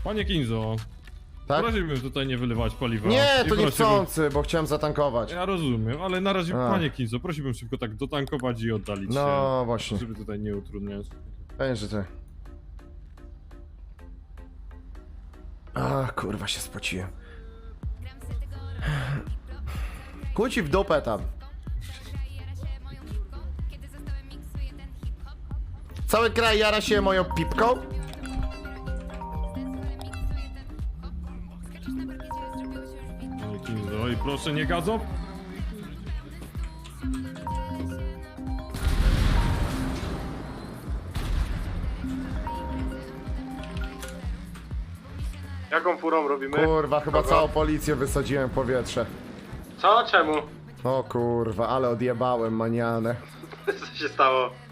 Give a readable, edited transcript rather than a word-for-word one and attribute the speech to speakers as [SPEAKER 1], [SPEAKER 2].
[SPEAKER 1] Panie Kinzo,
[SPEAKER 2] Tak?
[SPEAKER 1] prosiłbym tutaj nie wylewać paliwa.
[SPEAKER 2] Nie,
[SPEAKER 1] I
[SPEAKER 2] to
[SPEAKER 1] prosiłbym-
[SPEAKER 2] niechcący, bo chciałem zatankować.
[SPEAKER 1] Ja rozumiem, ale na razie,
[SPEAKER 2] A.
[SPEAKER 1] panie Kinzo, prosiłbym szybko tak dotankować i oddalić się.
[SPEAKER 2] No właśnie,
[SPEAKER 1] Żeby tutaj nie utrudniać.
[SPEAKER 2] pewnie, że ty. A kurwa, się spociłem. Chuj ci w dupę tam. Cały kraj jara się moją pipką?
[SPEAKER 1] Panie Kinzo, i proszę nie gadzą.
[SPEAKER 3] Jaką furą robimy?
[SPEAKER 2] Kurwa, chyba
[SPEAKER 3] Kogo?
[SPEAKER 2] całą policję wysadziłem w powietrze.
[SPEAKER 3] Co? Czemu?
[SPEAKER 2] O kurwa, ale odjebałem manianę.
[SPEAKER 3] Co się stało?